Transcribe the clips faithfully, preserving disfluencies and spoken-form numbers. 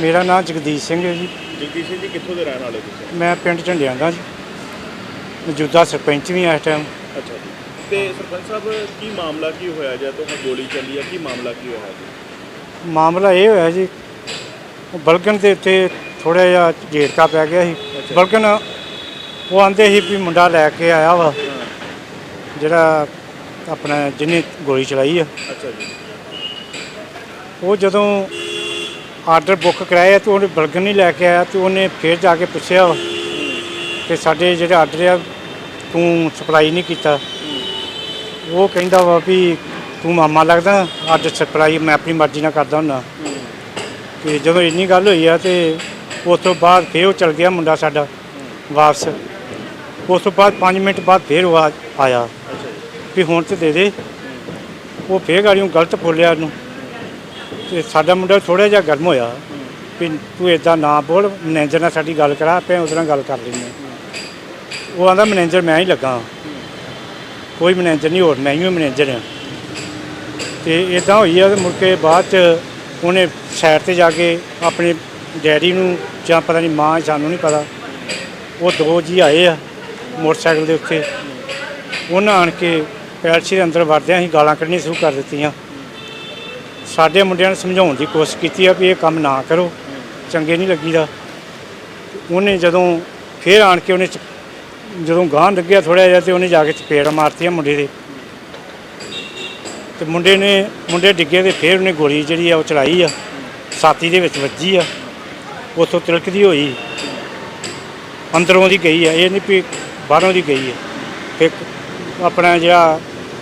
ਮੇਰਾ ਨਾਮ ਜਗਦੀਸ਼ ਸਿੰਘ ਹੈ ਜੀ। ਜਗਦੀਸ਼ ਸਿੰਘ ਜੀ ਕਿੱਥੋਂ ਦੇ ਰਹਿਣ ਵਾਲੇ ਤੁਸੀਂ? ਮੈਂ ਪਿੰਡ ਝੰਡਿਆਂ ਦਾ ਜੀ, ਮੌਜੂਦਾ ਸਰਪੰਚ ਵੀ ਹਾਂ ਇਸ ਟਾਈਮ। ਅੱਛਾ ਜੀ। ਤੇ ਸਰਪੰਚ ਸਾਹਿਬ ਕੀ ਮਾਮਲਾ ਕੀ ਹੋਇਆ ਜਾਂ ਤੋਂ ਗੋਲੀ ਚੱਲੀ ਹੈ, ਕੀ ਮਾਮਲਾ ਕੀ ਹੋਇਆ ਜੀ? ਮਾਮਲਾ ਇਹ ਹੋਇਆ ਜੀ, ਬਲਗਨ ਦੇ ਉੱਤੇ ਥੋੜ੍ਹਾ ਜਿਹਾ ਝੇੜਕਾ ਪੈ ਗਿਆ ਸੀ। ਬਲਗਨ ਉਹ ਆਂਦੇ ਸੀ ਵੀ ਮੁੰਡਾ ਲੈ ਕੇ ਆਇਆ ਵਾ ਜਿਹੜਾ ਆਪਣਾ ਜਿਹਨੇ ਗੋਲੀ ਚਲਾਈ ਆ। ਅੱਛਾ ਜੀ। ਉਹ ਜਦੋਂ ਆਰਡਰ ਬੁੱਕ ਕਰਾਇਆ ਤਾਂ ਉਹਨੇ ਬਲਗਨ ਨਹੀਂ ਲੈ ਕੇ ਆਇਆ, ਅਤੇ ਉਹਨੇ ਫਿਰ ਜਾ ਕੇ ਪੁੱਛਿਆ ਕਿ ਸਾਡੇ ਜਿਹੜੇ ਆਰਡਰ ਆ ਤੂੰ ਸਪਲਾਈ ਨਹੀਂ ਕੀਤਾ। ਉਹ ਕਹਿੰਦਾ ਵਾ ਵੀ ਤੂੰ ਮਾਮਾ ਲੱਗਦਾ, ਆਰਡਰ ਸਪਲਾਈ ਮੈਂ ਆਪਣੀ ਮਰਜ਼ੀ ਨਾਲ ਕਰਦਾ ਹੁੰਦਾ। ਕਿ ਜਦੋਂ ਇੰਨੀ ਗੱਲ ਹੋਈ ਆ ਅਤੇ ਉਸ ਤੋਂ ਬਾਅਦ ਫਿਰ ਉਹ ਚਲ ਗਿਆ ਮੁੰਡਾ ਸਾਡਾ ਵਾਪਸ। ਉਸ ਤੋਂ ਬਾਅਦ ਪੰਜ ਮਿੰਟ ਬਾਅਦ ਫਿਰ ਉਹ ਆਇਆ ਵੀ ਹੁਣ ਤਾਂ ਦੇ ਦੇ। ਉਹ ਫਿਰ ਗਾੜੀਓਂ ਗਲਤ ਬੋਲਿਆ ਉਹਨੂੰ, ਅਤੇ ਸਾਡਾ ਮੁੰਡਾ ਥੋੜ੍ਹਾ ਜਿਹਾ ਗਰਮ ਹੋਇਆ ਵੀ ਤੂੰ ਇੱਦਾਂ ਨਾ ਬੋਲ, ਮੈਨੇਜਰ ਨਾਲ ਸਾਡੀ ਗੱਲ ਕਰਾ, ਆਪਾਂ ਉਹਦੇ ਨਾਲ ਗੱਲ ਕਰ ਲੈਂਦੇ। ਉਹ ਆਂਦਾ ਮੈਨੇਜਰ ਮੈਂ ਹੀ ਲੱਗਾ, ਕੋਈ ਮੈਨੇਜਰ ਨਹੀਂ, ਹੋਰ ਮੈਂ ਹੀ ਮੈਨੇਜਰ ਹਾਂ। ਅਤੇ ਇੱਦਾਂ ਹੋਈ ਆ। ਮੁੜ ਕੇ ਬਾਅਦ 'ਚ ਉਹਨੇ ਸਾਈਡ 'ਤੇ ਜਾ ਕੇ ਆਪਣੇ ਡੈਡੀ ਨੂੰ ਜਾਂ ਪਤਾ ਨਹੀਂ ਮਾਂ, ਸਾਨੂੰ ਨਹੀਂ ਪਤਾ, ਉਹ ਦੋ ਜੀ ਆਏ ਆ ਮੋਟਰਸਾਈਕਲ ਦੇ ਉੱਤੇ। ਉਹਨਾਂ ਆਣ ਕੇ ਪੈਲਸੀ ਦੇ ਅੰਦਰ ਵੜਦਿਆਂ ਅਸੀਂ ਗਾਲਾਂ ਕੱਢਣੀਆਂ ਸ਼ੁਰੂ ਕਰ ਦਿੱਤੀਆਂ। ਸਾਡੇ ਮੁੰਡਿਆਂ ਨੇ ਸਮਝਾਉਣ ਦੀ ਕੋਸ਼ਿਸ਼ ਕੀਤੀ ਆ ਵੀ ਇਹ ਕੰਮ ਨਾ ਕਰੋ, ਚੰਗੇ ਨਹੀਂ ਲੱਗੀਦਾ। ਉਹਨੇ ਜਦੋਂ ਫਿਰ ਆਣ ਕੇ ਉਹਨੇ ਜਦੋਂ ਗਾਂਹ ਲੱਗਿਆ ਥੋੜ੍ਹਾ ਜਿਹਾ, ਅਤੇ ਉਹਨੇ ਜਾ ਕੇ ਚਪੇੜ ਮਾਰਤੀਆਂ ਮੁੰਡੇ ਦੇ, ਅਤੇ ਮੁੰਡੇ ਨੇ ਮੁੰਡੇ ਡਿੱਗੇ ਅਤੇ ਫਿਰ ਉਹਨੇ ਗੋਲੀ ਜਿਹੜੀ ਆ ਉਹ ਚਲਾਈ ਆ, ਛਾਤੀ ਦੇ ਵਿੱਚ ਵੱਜੀ ਆ। ਉੱਥੋਂ ਤਿਲਕਦੀ ਹੋਈ ਅੰਦਰੋਂ ਦੀ ਗਈ ਆ, ਇਹ ਨਹੀਂ ਵੀ ਬਾਹਰੋਂ ਦੀ ਗਈ ਆ। ਫਿਰ ਆਪਣਾ ਜਿਹੜਾ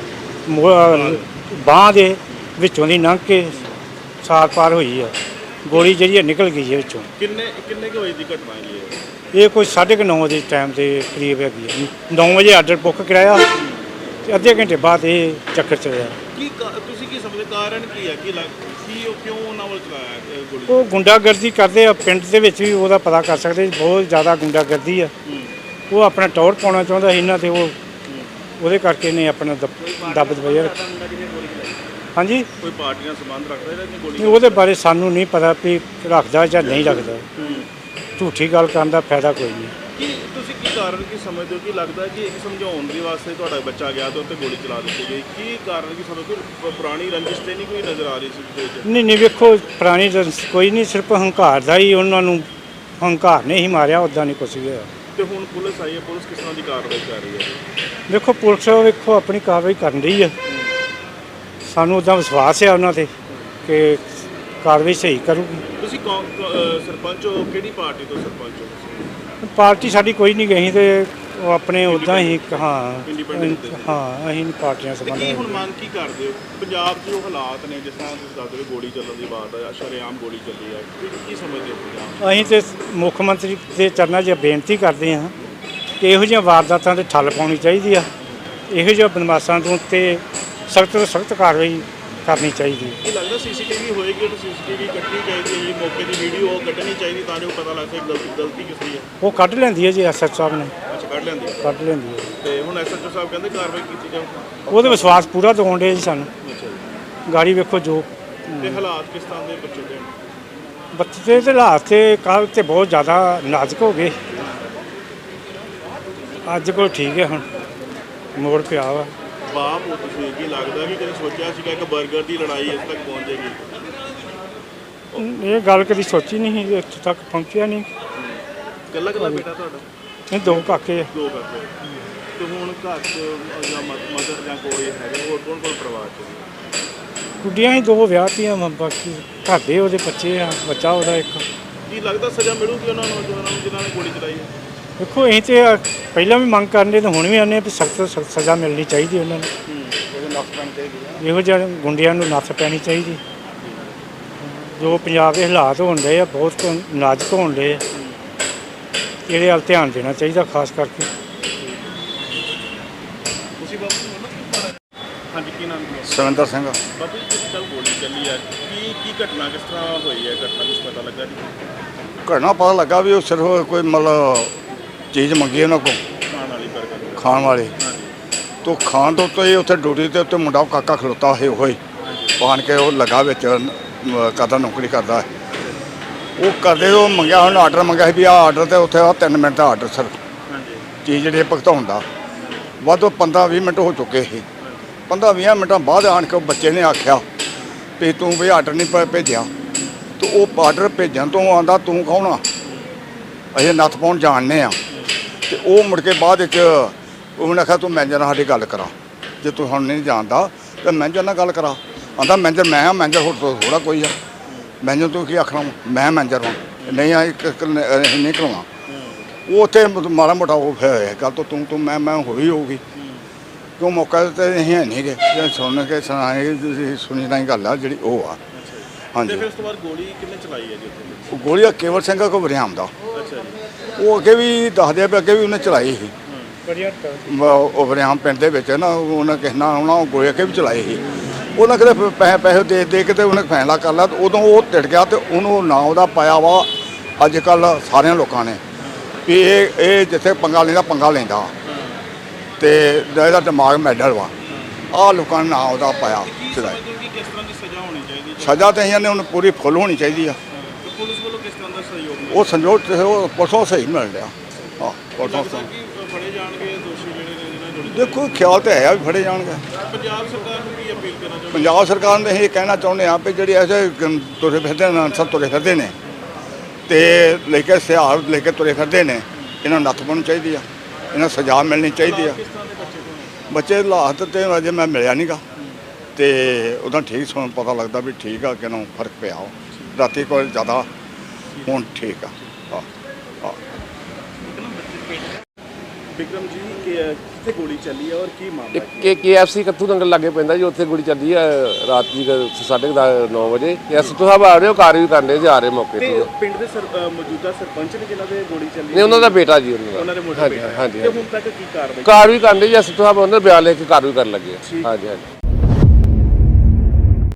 ਬਾਂਹ ਦੇ ਵਿੱਚੋਂ ਦੀ ਲੰਘ ਕੇ ਸਾਰ ਪਾਰ ਹੋਈ ਆ, ਗੋਲੀ ਜਿਹੜੀ ਆ ਨਿਕਲ ਗਈ ਹੈ ਵਿੱਚੋਂ। ਕਿੰਨੇ ਕਿੰਨੇ ਕੁ ਵਜੇ ਦੀ ਘਟਨਾ ਹੈ ਇਹ? ਇਹ ਕੋਈ ਸਾਢੇ ਕੁ ਨੌ ਦੇ ਟਾਈਮ ਦੇ ਕਰੀਬ ਹੈਗੀ ਆ। ਨੌ ਵਜੇ ਆਰਡਰ ਬੁੱਕ ਕਰਾਇਆ ਅਤੇ ਅੱਧੇ ਘੰਟੇ ਬਾਅਦ ਇਹ ਚੱਕਰ ਚੱਲਿਆ। ਕੀ ਤੁਸੀਂ ਕੀ ਸਮਝਦੇ ਕਾਰਨ ਕੀ ਹੈ? ਕੀ ਲੱਗ ਕੀ ਉਹ ਕਿਉਂ ਉਹਨਾਂ ਵੱਲ ਚਲਾਇਆ ਗੋਲੀ? ਉਹ ਗੁੰਡਾਗਰਦੀ ਕਰਦੇ ਆ ਪਿੰਡ ਦੇ ਵਿੱਚ ਵੀ, ਉਹਦਾ ਪਤਾ ਕਰ ਸਕਦੇ। ਬਹੁਤ ਜ਼ਿਆਦਾ ਗੁੰਡਾਗਰਦੀ ਆ। ਉਹ ਆਪਣਾ ਟੌਰ ਪਾਉਣਾ ਚਾਹੁੰਦਾ ਸੀ ਇਹਨਾਂ 'ਤੇ, ਉਹ ਉਹਦੇ ਕਰਕੇ ਨੇ ਆਪਣਾ ਦੱਬ ਦਬਾਇਆ। ਹਾਂਜੀ, ਕੋਈ ਪਾਰਟੀ ਨਾਲ ਸੰਬੰਧ ਰੱਖਦਾ ਜਿਹੜਾ ਗੋਲੀ? ਉਹਦੇ ਬਾਰੇ ਸਾਨੂੰ ਨਹੀਂ ਪਤਾ ਵੀ ਰੱਖਦਾ ਜਾਂ ਨਹੀਂ ਰੱਖਦਾ। ਝੂਠੀ ਗੱਲ ਕਰਨ ਦਾ ਫਾਇਦਾ ਕੋਈ ਨਹੀਂ। ਕੀ ਤੁਸੀਂ ਕੀ ਕਾਰਨ ਕੀ ਸਮਝਦੇ ਹੋ? ਕੀ ਲੱਗਦਾ ਕਿ ਇੱਕ ਸਮਝਾਉਣ ਦੇ ਵਾਸਤੇ ਤੁਹਾਡਾ ਬੱਚਾ ਗਿਆ ਤਾਂ ਉੱਤੇ ਗੋਲੀ ਚਲਾ ਦਿੱਤੀ ਗਈ? ਕੀ ਕਾਰਨ ਕੀ ਸਮਝਦੇ ਹੋ? ਪੁਰਾਣੀ ਰੰਜਿਸ਼ ਤੇ ਨਹੀਂ ਕੋਈ ਨਜ਼ਰ ਆ ਰਹੀ ਸੀ? ਨਹੀਂ ਨਹੀਂ, ਵੇਖੋ ਪੁਰਾਣੀ ਰੰਜਿਸ਼ ਕੋਈ ਨਹੀਂ, ਸਿਰਫ ਹੰਕਾਰ ਦਾ ਹੀ ਉਹਨਾਂ ਨੂੰ ਹੰਕਾਰ ਨੇ ਹੀ ਮਾਰਿਆ, ਉੱਦਾਂ ਨਹੀਂ ਕੁਛ ਵੀ ਹੋਇਆ। ਤੇ ਹੁਣ ਪੁਲਿਸ ਆਈ ਹੈ, ਪੁਲਿਸ ਕਿਸ ਤਰ੍ਹਾਂ ਦੀ ਕਾਰਵਾਈ ਕਰ ਰਹੀ ਹੈ? ਵੇਖੋ ਪੁਲਿਸ ਵੇਖੋ ਆਪਣੀ ਕਾਰਵਾਈ ਕਰਨ ਰਹੀ ਹੈ। ਸਾਨੂੰ ਉੱਦਾਂ ਵਿਸ਼ਵਾਸ ਹੈ ਉਹਨਾਂ 'ਤੇ ਕਿ ਕਾਰਵਾਈ ਸਹੀ ਕਰੂਗੀ। ਤੁਸੀਂ ਸਰਪੰਚ ਹੋ, ਕਿਹੜੀ ਪਾਰਟੀ ਤੋਂ ਸਰਪੰਚ ਹੋ? ਪਾਰਟੀ ਸਾਡੀ ਕੋਈ ਨਹੀਂ ਗਈ, ਅਤੇ ਉਹ ਆਪਣੇ ਉੱਦਾਂ ਹੀ ਹਾਂ ਹਾਂ ਅਸੀਂ ਨਹੀਂ ਪਾਰਟੀਆਂ ਸੰਬੰਧ। ਹੁਣ ਮੰਗ ਕੀ ਕਰਦੇ ਹੋ? ਪੰਜਾਬ 'ਚ ਜੋ ਹਾਲਾਤ ਨੇ, ਜਿਸ ਤਰ੍ਹਾਂ ਤੁਸੀਂ ਦੱਸਦੇ ਹੋ ਗੋਲੀ ਚੱਲਣ ਦੀ ਬਾਤ ਹੈ, ਸ਼ਰੇਆਮ ਗੋਲੀ ਚੱਲੀ ਹੈ, ਕੀ ਸਮਝਦੇ ਹੋ ਪੰਜਾਬ? ਅਸੀਂ ਤਾਂ ਮੁੱਖ ਮੰਤਰੀ ਦੇ ਚਰਨਾਂ 'ਚ ਬੇਨਤੀ ਕਰਦੇ ਹਾਂ ਕਿ ਇਹੋ ਜਿਹੀਆਂ ਵਾਰਦਾਤਾਂ 'ਤੇ ਠੱਲ ਪਾਉਣੀ ਚਾਹੀਦੀ ਆ। ਇਹੋ ਜਿਹੇ ਬਦਮਾਸ਼ਾਂ ਤੋਂ ਉੱਤੇ ਸਖਤ ਤੋਂ ਸਖਤ ਕਾਰਵਾਈ ਕਰਨੀ ਚਾਹੀਦੀ ਹੈ। ਇਹ ਲੱਗਦਾ ਸੀ ਸੀ ਟੀ ਵੀ ਹੋਏਗੀ ਤਾਂ ਸੀ ਸੀ ਟੀ ਵੀ ਕੱਢਣੀ ਚਾਹੀਦੀ ਹੈ ਜੀ, ਮੌਕੇ ਦੀ ਵੀਡੀਓ ਕੱਢਣੀ ਚਾਹੀਦੀ ਤਾਂ ਜੋ ਪਤਾ ਲੱਗ ਸਕੇ ਗਲਤੀ ਗਲਤੀ ਕਿਸ ਦੀ ਹੈ। ਉਹ ਕੱਢ ਲੈਂਦੀ ਹੈ ਜੀ ਐਸ ਐਚ ਸਾਹਿਬ ਨੇ। ਅੱਛਾ, ਕੱਢ ਲੈਂਦੀ ਹੈ ਕੱਢ ਲੈਂਦੀ ਹੈ ਤੇ ਹੁਣ ਐਸ ਐਚ ਓ ਸਾਹਿਬ ਕਹਿੰਦੇ ਕਾਰਵਾਈ ਕੀਤੀ ਜਾਊ। ਉਹਦੇ ਵਿਸ਼ਵਾਸ ਪੂਰਾ ਦਿਵਾਉਣ ਡੇ ਜੀ ਸਾਨੂੰ। ਅੱਛਾ ਜੀ। ਗਾੜੀ ਵੇਖੋ ਜੋ ਤੇ ਹਾਲਾਤ ਕਿਸ ਤਰ੍ਹਾਂ ਦੇ ਬੱਚੇ ਦੇ? ਬੱਚੇ ਦੇ ਹਾਲਾਤ ਤੇ ਕੱਲ੍ਹ ਤੇ ਬਹੁਤ ਜ਼ਿਆਦਾ ਨਾਜ਼ੁਕ ਹੋ ਗਏ, ਅੱਜ ਕੋਲ ਠੀਕ ਹੈ, ਹੁਣ ਮੋੜ ਪਿਆ ਵਾ। ਬਾਪ ਹੋ ਤੁਸੀਂ, ਕੀ ਲੱਗਦਾ ਕਿ ਕਦੇ ਸੋਚਿਆ ਸੀਗਾ ਕਿ ਬਰਗਰ ਦੀ ਲੜਾਈ ਇਸ ਤੱਕ ਪਹੁੰਚ ਜਾਏਗੀ? ਇਹ ਗੱਲ ਕਦੀ ਸੋਚੀ ਨਹੀਂ ਸੀ, ਇੱਥੇ ਤੱਕ ਪਹੁੰਚਿਆ ਨਹੀਂ। ਇਕੱਲਾ ਇਕੱਲਾ ਬੇਟਾ ਤੁਹਾਡਾ? ਇਹ ਦੋ ਕਾਕੇ ਆ। ਦੋ ਕਾਕੇ। ਤੇ ਹੁਣ ਘਰ 'ਚ ਜਾਂ ਮਦਰ ਜਾਂ ਕੋਈ ਹੈਗੇ ਹੋਰ ਕੌਣ ਕੌਣ ਪਰਿਵਾਰ 'ਚ? ਗੁੱਡੀਆਂ ਹੀ ਦੋ ਵਿਆਹਤੀਆਂ, ਬਾਕੀ ਘਰ ਦੇ ਉਹਦੇ ਬੱਚੇ ਆ, ਬੱਚਾ ਉਹਦਾ ਇੱਕ। ਕੀ ਲੱਗਦਾ ਸਜ਼ਾ ਮਿਲੂਗੀ ਉਹਨਾਂ ਨੌਜਵਾਨਾਂ ਨੂੰ ਜਿਨ੍ਹਾਂ ਨੇ ਗੋਲੀ ਚਲਾਈ ਹੈ? ਦੇਖੋ ਅਸੀਂ ਤਾਂ ਪਹਿਲਾਂ ਵੀ ਮੰਗ ਕਰਨੇ, ਤਾਂ ਹੁਣ ਵੀ ਆਉਂਦੇ ਵੀ ਸਖਤ ਤੋਂ ਸਖਤ ਸਜ਼ਾ ਮਿਲਣੀ ਚਾਹੀਦੀ ਉਹਨਾਂ ਨੂੰ। ਇਹੋ ਜਿਹੇ ਗੁੰਡਿਆਂ ਨੂੰ ਨੱਥ ਪੈਣੀ ਚਾਹੀਦੀ। ਜੋ ਪੰਜਾਬ ਦੇ ਹਾਲਾਤ ਹੋਣ ਰਹੇ ਆ ਬਹੁਤ ਨਾਜ਼ੁਕ ਹੋਣ ਰਹੇ ਆ, ਇਹਦੇ ਵੱਲ ਧਿਆਨ ਦੇਣਾ ਚਾਹੀਦਾ ਖਾਸ ਕਰਕੇ। ਤੁਸੀਂ ਬਾਬੂ ਹਾਂਜੀ, ਕੀ ਨਾਮ ਹੈ? ਸੁਰਿੰਦਰ ਸਿੰਘ। ਬਾਬੂ ਜੀ ਕੱਲ੍ਹ ਗੋਲੀ ਚੱਲੀ ਹੈ, ਕੀ ਕੀ ਘਟਨਾ ਕਿਸ ਤਰ੍ਹਾਂ ਹੋਈ ਹੈ? ਘਟਨਾ ਕੁਛ ਪਤਾ ਲੱਗਾ ਜੀ? ਘਟਨਾ ਪਤਾ ਲੱਗਾ ਵੀ ਉਹ ਸਿਰਫ ਕੋਈ ਮਤਲਬ ਚੀਜ਼ ਮੰਗੀ ਉਹਨਾਂ ਕੋਲ ਖਾਣ ਵਾਲੀ ਬਰਗਰ ਖਾਣ ਵਾਲੀ, ਹਾਂਜੀ। ਤੋਂ ਖਾਣ ਤੋਂ ਉੱਤੇ ਉੱਥੇ ਡਿਊਟੀ 'ਤੇ ਉੱਤੇ ਮੁੰਡਾ ਕਾਕਾ ਖਲੋਤਾ ਹੋਏ ਹੋਏ ਪਾਣ ਕੇ ਉਹ ਲੱਗਾ ਵਿੱਚ ਕਰਦਾ, ਨੌਕਰੀ ਕਰਦਾ। ਉਹ ਕਰਦੇ ਉਹ ਮੰਗਿਆ ਹੁਣ ਆਰਡਰ ਮੰਗਿਆ ਸੀ ਵੀ ਆਹ ਆਰਡਰ ਤੇ ਉੱਥੇ ਆ ਤਿੰਨ ਮਿੰਟ ਦਾ ਆਰਡਰ ਸਰ ਹਾਂਜੀ ਚੀਜ਼ ਜਿਹੜੀ ਭੁਗਤਾਉਣ ਦਾ ਵੱਧ ਪੰਦਰਾਂ ਵੀਹ ਮਿੰਟ ਹੋ ਚੁੱਕੇ ਸੀ ਪੰਦਰਾਂ ਵੀਹ ਮਿੰਟਾਂ ਬਾਅਦ ਆਣ ਕੇ ਉਹ ਬੱਚੇ ਨੇ ਆਖਿਆ ਵੀ ਤੂੰ ਵੀ ਆਰਡਰ ਨਹੀਂ ਭ- ਭੇਜਿਆ ਤੇ ਉਹ ਆਰਡਰ ਭੇਜਣ ਤੋਂ ਆਂਦਾ ਤੂੰ ਕੌਣ ਆ ਅਸੀਂ ਨੱਥ ਪਾਉਣ ਜਾਣਦੇ ਆ ਤੇ ਉਹ ਮੁੜ ਕੇ ਬਾਅਦ ਵਿੱਚ ਉਹਨੇ ਆਖਿਆ ਤੂੰ ਮੈਨੇਜਰ ਨਾਲ ਸਾਡੀ ਗੱਲ ਕਰਾ ਜੇ ਤੂੰ ਹੁਣ ਨਹੀਂ ਜਾਣਦਾ ਤਾਂ ਮੈਨੇਜਰ ਨਾਲ ਗੱਲ ਕਰਾ ਆਂਦਾ ਮੈਨੇਜਰ ਮੈਂ ਆ ਮੈਨੇਜਰ ਹੋਰ ਤੋਂ ਥੋੜਾ ਕੋਈ ਆ ਮੈਨੇਜਰ ਤੂੰ ਕੀ ਆਖਣਾ ਵਾ? ਮੈਂ ਮੈਨੇਜਰ ਹਾਂ ਨਹੀਂ ਆ ਇੱਕ ਇੱਕ ਨੇ- ਅਸੀਂ ਨਹੀਂ ਕਰਾਉਣਾ ਉਹ ਉੱਥੇ ਮਾੜਾ ਮੋਟਾ ਉਹ ਫਿਰ ਗੱਲ ਤੋਂ ਤੂੰ ਤੂੰ ਮੈਂ ਮੈਂ ਹੋਈ ਹੋਊਗੀ ਕਿਉਂ ਮੌਕਾ ਤੇ ਅਸੀਂ ਹੈ ਨਹੀਂ ਗੇ ਜੇ ਸੁਣ ਕੇ ਸੁਣਾਏ ਤੁਸੀਂ ਸੁਣੀ ਨਹੀਂ ਗੱਲ ਆ ਜਿਹੜੀ ਉਹ ਆ ਤੇ ਹਾਂਜੀ ਫਿਰ ਉਸ ਤੋਂ ਬਾਅਦ ਗੋਲੀ ਕਿੰਨੇ ਚਲਾਈ ਹੈ ਜੀ ਉੱਥੇ ਉਹ ਗੋਲੀ ਆ ਕੇਵਲ ਸਿੰਘ ਕੋ ਵਰਿਆਮ ਦਾ ਅੱਛਾ ਜੀ ਉਹ ਅੱਗੇ ਵੀ ਦੱਸਦੇ ਆ ਵੀ ਅੱਗੇ ਵੀ ਉਹਨੇ ਚਲਾਈ ਸੀ ਬੜੀਆ ਮ- ਉਹ ਵਰਿਆਮ ਪਿੰਡ ਦੇ ਵਿੱਚ ਨਾ ਉਹਨਾਂ ਕਿਸੇ ਨਾਲ ਉਹਨਾਂ ਉਹ ਗੋਲੀ ਅੱਗੇ ਵੀ ਚਲਾਈ ਸੀ ਉਹਨਾਂ ਕਿਤੇ ਪੈਸੇ ਪੈਸੇ ਦੇ ਦੇ ਕੇ ਤੇ ਉਹਨੇ ਫੈਸਲਾ ਕਰ ਲਿਆ ਤੇ ਉਦੋਂ ਉਹ ਟਿੜ ਗਿਆ ਤੇ ਉਹਨੂੰ ਨਾਂ ਉਹਦਾ ਪਾਇਆ ਵਾ ਅੱਜ ਕੱਲ੍ਹ ਸਾਰਿਆਂ ਲੋਕਾਂ ਨੇ ਵੀ ਇਹ ਇਹ ਜਿੱਥੇ ਪੰਗਾ ਲੈਂਦਾ ਪੰਗਾ ਲੈਂਦਾ ਤੇ ਇਹਦਾ ਦਿਮਾਗ ਮੈਡਲ ਵਾ ਆਹ ਲੋਕਾਂ ਨੇ ਨਾਂ ਉਹਦਾ ਪਾਇਆ ਚਲਾਈ ਕਿ ਕਿਸ ਤਰ੍ਹਾਂ ਦੀ ਸਜ਼ਾ ਹੋਣੀ ਚਾਹੀਦੀ ਹੈ ਸਜ਼ਾ ਤਾਂ ਇਹਨਾਂ ਨੇ ਉਹਨੂੰ ਪੂਰੀ ਫੁੱਲ ਹੋਣੀ ਚਾਹੀਦੀ ਆ ਤੇ ਪੁਲਿਸ ਵੱਲੋਂ ਕਿਸ ਤਰ੍ਹਾਂ ਦਾ ਸਹਿਯੋਗ ਮਿਲਿਆ ਉਹ ਸੰਜੋਗ ਤੇ ਉਹ ਪਰਸੋਂ ਸਹੀ ਮਿਲ ਰਿਹਾ ਹਾਂ ਪਰਸੋਂ ਲੱਗਦਾ ਸਹੀ। ਕਿ ਫੜੇ ਜਾਣਗੇ ਦੋਸ਼ੀ ਜਿਹੜੇ ਨੇ ਜਿਹਨਾਂ ਜੁੜੇ ਦੇਖੋ ਖਿਆਲ ਤਾਂ ਹੈ ਆ ਵੀ ਫੜੇ ਜਾਣਗੇ ਪੰਜਾਬ ਸਰਕਾਰ ਨੂੰ ਕੀ ਅਪੀਲ ਕਰਨਾ ਚਾਹੁੰਦੇ ਪੰਜਾਬ ਸਰਕਾਰ ਨੇ ਇਹ ਕਹਿਣਾ ਚਾਹੁੰਦੇ ਆ ਵੀ ਜਿਹੜੀ ਐਸੇ ਗ- ਤੁਰੇ ਫਿਰਦੇ ਨੇ ਅਨਸਰ ਤੁਰੇ ਫਿਰਦੇ ਨੇ ਤੇ ਲੈ ਕੇ ਸਿਹਾਰ ਲੈ ਕੇ ਤੁਰੇ ਫਿਰਦੇ ਨੇ ਇਹਨਾਂ ਨੂੰ ਨੱਥ ਪਾਉਣੀ ਚਾਹੀਦੀ ਆ ਇਹਨਾਂ ਨੂੰ ਸਜ਼ਾ ਮਿਲਣੀ ਚਾਹੀਦੀ ਆ ਕਿਸ ਤਰ੍ਹਾਂ ਦੇ ਬੱਚੇ ਤੋਂ ਬੱਚੇ ਹਾਲਾਤ ਤੇ ਅਜੇ ਮੈਂ ਮਿਲਿਆ ਨਹੀਂਗਾ ਤੇ ਉਹਦਾ ਠੀਕ ਸੁਣ ਪਤਾ ਲੱਗਦਾ ਵੀ ਠੀਕ ਆ ਕਿਨੂੰ ਫਰਕ ਪਿਆ ਉਹ ਰਾਤੀ ਕੋਲ ਜ਼ਿਆਦਾ ਹੁਣ ਠੀਕ ਆ ਹਾਂ ਹਾਂ ਵਿਕਰਮ ਜੀ ਕਿ ਕਿੱਥੇ ਗੋਲੀ ਚੱਲੀ ਹੈ ਔਰ ਕੀ ਮਾਮਲਾ ਹੈ ਕੇ ਕੇਐਫਸੀ ਕੱਥੂ ਨੰਗਲ ਲਾਗੇ ਪੈਂਦਾ ਜੀ ਉੱਥੇ ਗੋਲੀ ਚੱਲੀ ਆ ਰਾਤ ਦੀ ਸਾਢੇ ਨੌ ਵਜੇ ਐਸਟੋ ਸਾਹਿਬ ਆ ਰਹੇ ਹੋ ਕਾਰ ਵੀ ਕਰਨੇ ਜੀ ਆ ਰਹੇ ਮੌਕੇ ਤੇ ਤੇ ਪਿੰਡ ਦੇ ਸਰ- ਅ, ਮੌਜੂਦਾ ਸਰਪੰਚ ਨੇ ਜਿਨ੍ਹਾਂ ਦੇ ਗੋਲੀ ਚੱਲੀ ਨਹੀਂ ਉਹਨਾਂ ਦਾ ਬੇਟਾ ਜੀ ਉਹਨਾਂ ਉਹਨਾਂ ਦੇ ਦਾ ਮੋਟਰ ਹਾਂਜੀ ਬੇਟਾ ਹੈ। ਹਾਂਜੀ ਤੇ ਹੁਣ ਤੱਕ ਕੀ ਕਾਰਵਾਈ ਕਾਰ ਵੀ ਕਰਨੇ ਜੀ ਐਸਟੋ ਸਾਹਿਬ ਉਹਨਾਂ ਦਾ ਬਿਆਨ ਲੈ ਕੇ ਕਾਰ ਵੀ ਕਰਨ ਲੱਗੇ ਆ। ਹਾਂਜੀ ਹਾਂਜੀ